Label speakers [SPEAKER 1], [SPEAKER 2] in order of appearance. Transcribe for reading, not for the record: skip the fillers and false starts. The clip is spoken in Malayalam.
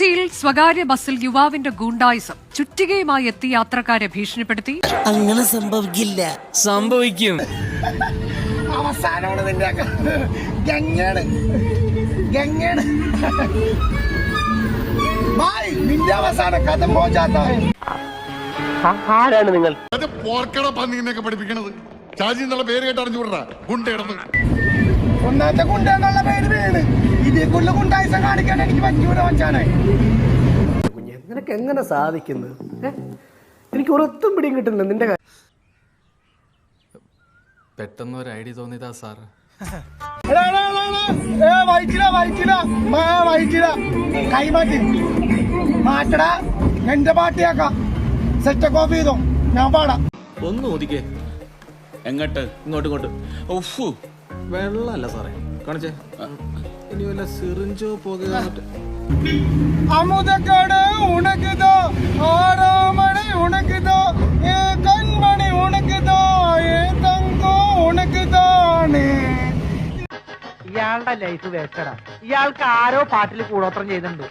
[SPEAKER 1] കൊച്ചിയിൽ സ്വകാര്യ ബസ്സിൽ യുവാവിന്റെ ഗൂണ്ടായിസം ചുറ്റികയുമായി എത്തി യാത്രക്കാരെ ഭീഷണിപ്പെടുത്തി.
[SPEAKER 2] അങ്ങനെ സംഭവിക്കില്ല.
[SPEAKER 3] സംഭവിക്കും.
[SPEAKER 4] അവസാനമാണ് നിന്റെ നിന്റെ അവസാന കഥ മോചാത്ത.
[SPEAKER 5] ആരാണ് നിങ്ങൾ?
[SPEAKER 6] പോർക്കട പന്നിനെയൊക്കെ പഠിപ്പിക്കണത് ഷാജി എന്നുള്ള പേര് കേട്ട് അറിഞ്ഞുകൂടാ. ഗുണ്ടയിടന്ന്
[SPEAKER 4] ഒന്നാമത്തെ ഗുണ്ട എന്നുള്ള പേര് വീണ് ഇതേക്കുള്ള ഗുണ്ടായിസം കാണിക്കാൻ എനിക്ക് പറ്റൂല മച്ചാനെ.
[SPEAKER 5] നിനക്ക് എങ്ങനെ സാധിക്കുന്നു? എനിക്ക് ഒരൊത്തും പിടിയും കിട്ടുന്നില്ല നിന്റെ കാര്യം.
[SPEAKER 3] പെട്ടെന്ന് ഒരു ഐഡിയ തോന്നിയതാ സാർ.
[SPEAKER 4] കൈമാറ്റി മാറ്റടാ, എന്റെ പാട്ടിയാക്കാം. സെറ്റ് കോപ്പി ചെയ്തോ, ഞാൻ പാടാം.
[SPEAKER 3] ഒന്ന് ഒതുക്കേ. എങ്ങോട്ട്? ഇങ്ങോട്ട്. ഓഫു, വെള്ളമല്ല സാറേ കാണിച്ചേ. ഇനി വല്ല സിറിഞ്ചോ പോകുക.
[SPEAKER 4] അമുതക്കാട് ഉണക്കുതോ, ആറാമണി ഉണക്കുതോ, ഏ കൺമണി ഉണക്കുതോ, ഏ തങ്കോ ഉണക്കുതാണ്.
[SPEAKER 5] ഇയാളുടെ ലൈഫ് വേസ്റ്റഡാ. ഇയാൾക്ക് ആരോ പാട്ടിൽ കൂടോത്രം ചെയ്യുന്നുണ്ട്.